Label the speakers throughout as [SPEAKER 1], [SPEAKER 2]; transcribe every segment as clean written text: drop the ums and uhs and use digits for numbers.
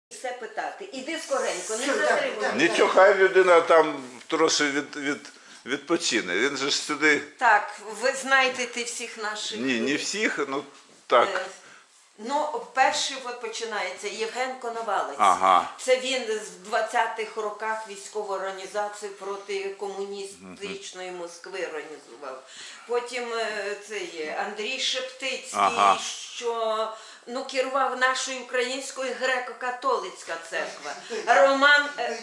[SPEAKER 1] Все питати. Іди скоренько, не затримуй.
[SPEAKER 2] Нічого, хай людина там трошки відпочине. Він же ж сюди.
[SPEAKER 1] Так, ви знаєте всіх наших.
[SPEAKER 2] Ні, не всіх, ну так.
[SPEAKER 1] Ну, перший от починається Євген Коновалець.
[SPEAKER 2] Ага.
[SPEAKER 1] Це він з 20-х роках військову організацію проти комуністичної Москви організував. Потім цей Андрій Шептицький,
[SPEAKER 2] Ага.
[SPEAKER 1] що керував нашою українською греко-католицька церква. Роман...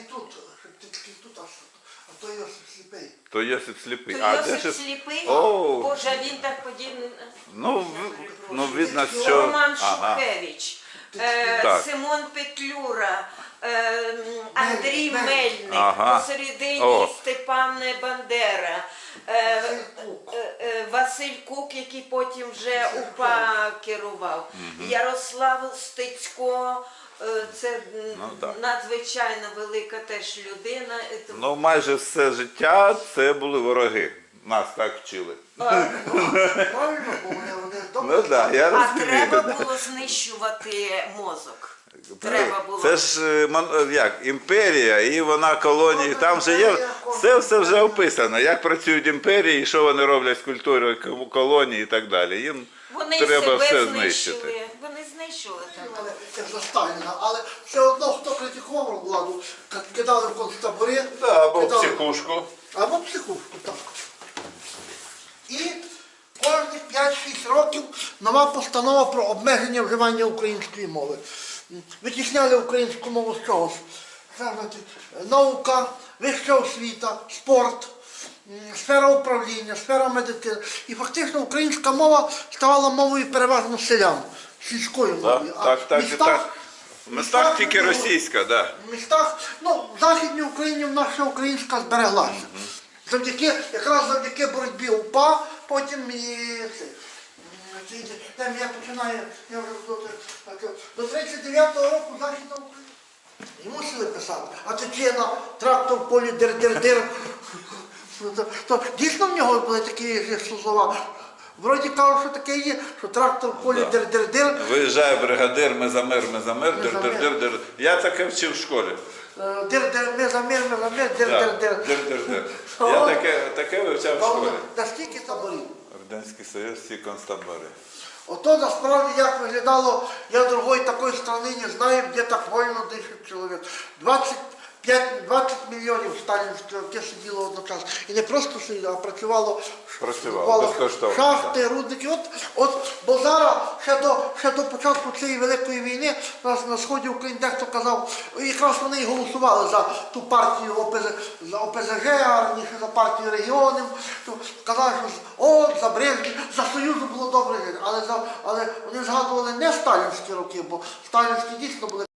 [SPEAKER 3] То Йосип Сліпий.
[SPEAKER 2] То Йосип Сліпий.
[SPEAKER 1] То Йосип Сліпий?
[SPEAKER 2] О.
[SPEAKER 1] Боже, він так подібний.
[SPEAKER 2] Ну, видно, що...
[SPEAKER 1] Роман
[SPEAKER 2] Ага.
[SPEAKER 1] Шухевич,
[SPEAKER 2] Так.
[SPEAKER 1] Симон Петлюра, Андрій Мельник,
[SPEAKER 2] Ага.
[SPEAKER 1] посередині
[SPEAKER 2] О.
[SPEAKER 1] Степан Бандера, Василь Кук, який потім вже УПА керував, Ярослав Стецько. Це
[SPEAKER 2] так.
[SPEAKER 1] надзвичайно велика теж людина.
[SPEAKER 2] Ну, майже все життя це були вороги. Нас так вчили.
[SPEAKER 3] Правильно, бо вони добре.
[SPEAKER 2] Ну так, я
[SPEAKER 1] А
[SPEAKER 2] розумію.
[SPEAKER 1] треба
[SPEAKER 2] да.
[SPEAKER 1] було знищувати мозок. Треба було.
[SPEAKER 2] Це ж як, імперія, і вона колонії, там же є, все вже описано, як працюють імперії, що вони роблять з культурою колонії і так далі. Їм
[SPEAKER 1] Вони
[SPEAKER 2] треба
[SPEAKER 1] себе
[SPEAKER 2] все
[SPEAKER 1] знищили.
[SPEAKER 2] знищити.
[SPEAKER 1] Вони знищили там.
[SPEAKER 3] Як за Сталіна, але все одно, хто критикував владу, кидали в концтабори,
[SPEAKER 2] Або в
[SPEAKER 3] кидали-
[SPEAKER 2] психушку.
[SPEAKER 3] Або в психушку, так. І кожні 5-6 років нова постанова про обмеження вживання української мови. Витісняли українську мову з чогось. Це, значить, наука, вища освіта, спорт, сфера управління, сфера медицини. І фактично українська мова ставала мовою переважно селян, сільською мовою. А
[SPEAKER 2] Так,
[SPEAKER 3] в
[SPEAKER 2] і так. В містах тільки російська, так.
[SPEAKER 3] в містах, в Західній Україні наша українська збереглася. Якраз завдяки боротьбі УПА, потім і це. Там я починаю, я вже до 39-го року Західна Україна. І мусили писати. А Тичина, трактор в полі дир-дир-дир. То дійсно в нього були такі слова. Вроді кажуть, що таке є, що трактор в полі дир-дир-дир.
[SPEAKER 2] Виїжджає бригадир, ми за мир, дир-дир-дир. Я таке вчив в школі.
[SPEAKER 3] Дир-дир, мир, дир-дир-дир.
[SPEAKER 2] Дир-дир-дир. Я таке вивчав в школі.
[SPEAKER 3] Наскільки таборів?
[SPEAKER 2] Радянський Союз, всі концтабори.
[SPEAKER 3] Ото насправді як виглядало, я другої такої країни не знаю, де так вольно дишить чоловік. 20 мільйонів сталінських роки сиділо одночасно. І не просто сиділо, а працювало
[SPEAKER 2] безкоштовно.
[SPEAKER 3] шахти, рудники. Бо зараз, ще до початку цієї Великої війни, на сході України дехто казав, якраз вони і голосували за ту партію за ОПЗЖ, а раніше за партію регіонів. Казали, що за Брежнєв, за Союзу було добре жити. Але вони згадували не сталінські роки, бо сталінські дійсно були